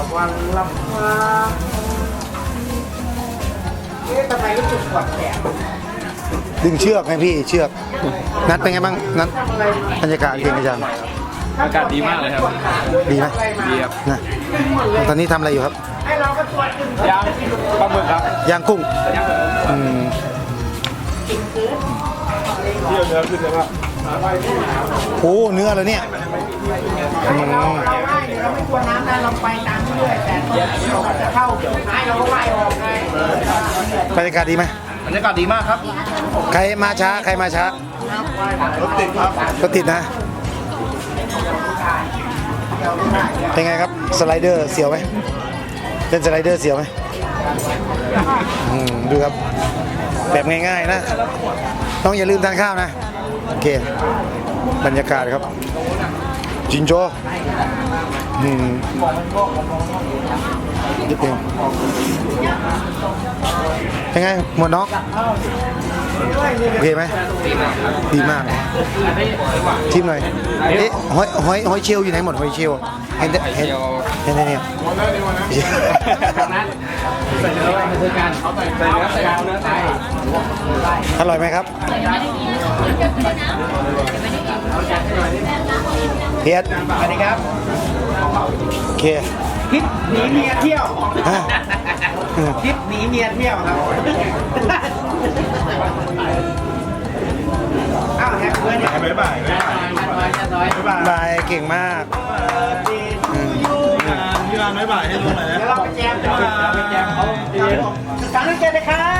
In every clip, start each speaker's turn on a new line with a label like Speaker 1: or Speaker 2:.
Speaker 1: วันละมาทำไมรู้สึกปวดแขน
Speaker 2: ดึงเชือกไงพี่เชือกนัดเป็นไงบ้างนัดบรรยากาศเก่งอาจารย์
Speaker 3: อากาศดีมากเลยครับ
Speaker 2: ดีไหม
Speaker 3: ดีครับ
Speaker 2: นะตอนนี้ทำอะไรอยู่ครับ
Speaker 1: ให้เราก็ตรวจขึ้น
Speaker 3: ย่างปลาหมึกครับ
Speaker 2: ย่างกุ้ง
Speaker 3: ย่างปลาหมึก
Speaker 2: อืม
Speaker 3: เที่ยวเนื้อขึ้นเลยครับ
Speaker 2: โอ้เนื้อเลยเนี่ยอืม
Speaker 1: เราว่ายเราไม่กลัวน้ำนะเราไปตามเรื่อยแต่เราจะเข้าท้ายเราก็ว่ายออกไง
Speaker 2: บรรยากาศดีไหม
Speaker 3: บรรยากาศดีมากครับ
Speaker 2: ใครมาช้าใครมาช้าร
Speaker 3: ถติดครับ
Speaker 2: รถติดนะเป็นไงครับสไลเดอร์เสียวไหมเล่นสไลเดอร์เสียวไหมดูครับแบบง่ายๆนะต้องอย่าลืมทานข้าวนะโอเคบรรยากาศครับจินโจนิดนึงเป็นไงหมดน้องโอเคไหมดีมากชิมหน่อยเอ๊ะหอยเชลล์อยู่ไหนหมดหอยเชลล์เห็นเนี่ย
Speaker 1: ใส่เนื้อไปคือการเอาใส่เนื้อใส่
Speaker 2: อร่อยไหมครับเพียร
Speaker 1: สวัสดีครับ
Speaker 2: โอเค
Speaker 1: ทริปหนีเมียเที่ยว
Speaker 2: ฮะ
Speaker 1: ทริปหนีเมียเที่ยวครับอ้าวแฮปปี้เนี่ยบ๊ายบายบ๊ายบาย
Speaker 2: บายเก่งมาก
Speaker 3: พี่รานบ๊ายบายให้ดูหน่อยนะ
Speaker 1: เดี๋ยวเราไปแจมเดี๋ยวเราไปแจมเขาสามนักเรียนเลยครับ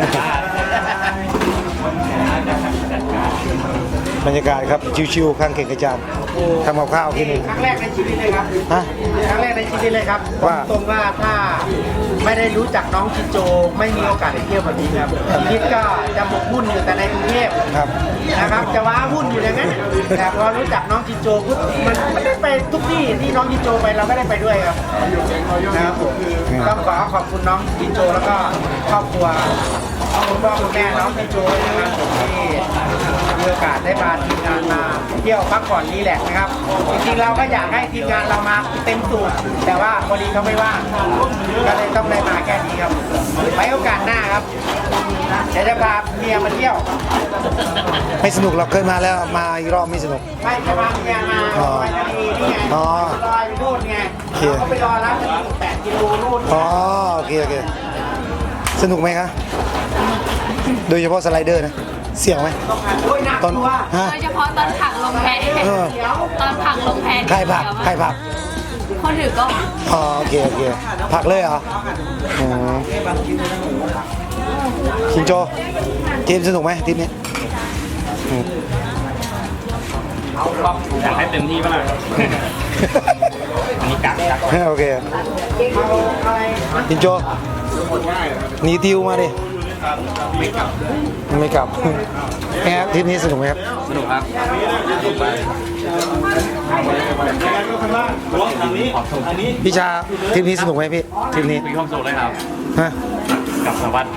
Speaker 2: บรรยากาศครับชิวๆข้างเก่งกระจานทำกับข้าวกิน
Speaker 1: ครั้งแรกในชีวิตเลยครับ
Speaker 2: ฮะ
Speaker 1: ครั้งแรกในชีวิตเลยครับ
Speaker 2: ว่า
Speaker 1: ตรงว่าถ้าไม่ได้รู้จักน้องชินโจไม่มีโอกาสได้เที่ยวแบบนี้ครับชีวิตก็จะหมกมุ่นอยู่แต่ในกรุงเทพ
Speaker 2: ครับ
Speaker 1: นะครับจะว้าวุ่นอยู่อย่างนั้นแต่พอรู้จักน้องจินโจปุ๊บมันไม่ได้ไปทุกที่ที่น้องจินโจไปเราไม่ได้ไปด้วยครับนะครับผมต้องขอขอบคุณน้องจินโจแล้วก็ครอบครัวคุณพ่อคุณแม่น้องจินโจนะครับผมที่มีโอกาสได้พาทีมงานมาเที่ยวพักผ่อนรีแลกซ์นะครับจริงๆเราก็อยากให้ทีมงานเรามาเต็มสูบแต่ว่าพอดีเขาไม่ว่างก็เลยต้องได้มาแค่นี้ครับไว้โอกาสหน้าครับเดี๋ยวจะพาเมียมาเที่ยว
Speaker 2: ไม่สนุกเราเคยมาแล้วมาอีกรอบไม่สนุก
Speaker 1: ไปจะวางแกมาไปทะเลนี่ไง
Speaker 2: อ๋อ
Speaker 1: ลอยไปนู่นไง
Speaker 2: โอเค
Speaker 1: เขาไปรอร้านจะมี8 กิโลนู่น
Speaker 2: อ๋อโอเคสนุกไหมคะโดยเฉพาะสไลเดอร์นะเสี่ยวไหม
Speaker 1: ต้องหาด้วยนัก
Speaker 2: ตอน
Speaker 1: ตัว
Speaker 2: ฮะ
Speaker 4: โดยเฉพาะตอนผักลงแพ
Speaker 2: เออ
Speaker 4: ตอนผักลงแพ
Speaker 2: ใครผัก
Speaker 4: คนถือก็
Speaker 2: อ๋อโอเคผักเลยเหรออ๋อชินโจทีมสนุกไหมทีมนี้อืม
Speaker 3: อยากให้เต็มที่บ้างอันนี้กัก
Speaker 2: โอเค
Speaker 1: เอาอะไร
Speaker 2: ชินโจหนีติวมาดิไม่กลับไงครับทีมนี้สนุกไหมครับ
Speaker 3: สนุกครับ
Speaker 2: พี่ชาทีมนี้สนุกไหมพี่ทีมนี้
Speaker 3: มีความสุขเลยครับ
Speaker 2: ฮะ
Speaker 3: กับสวัสดิ์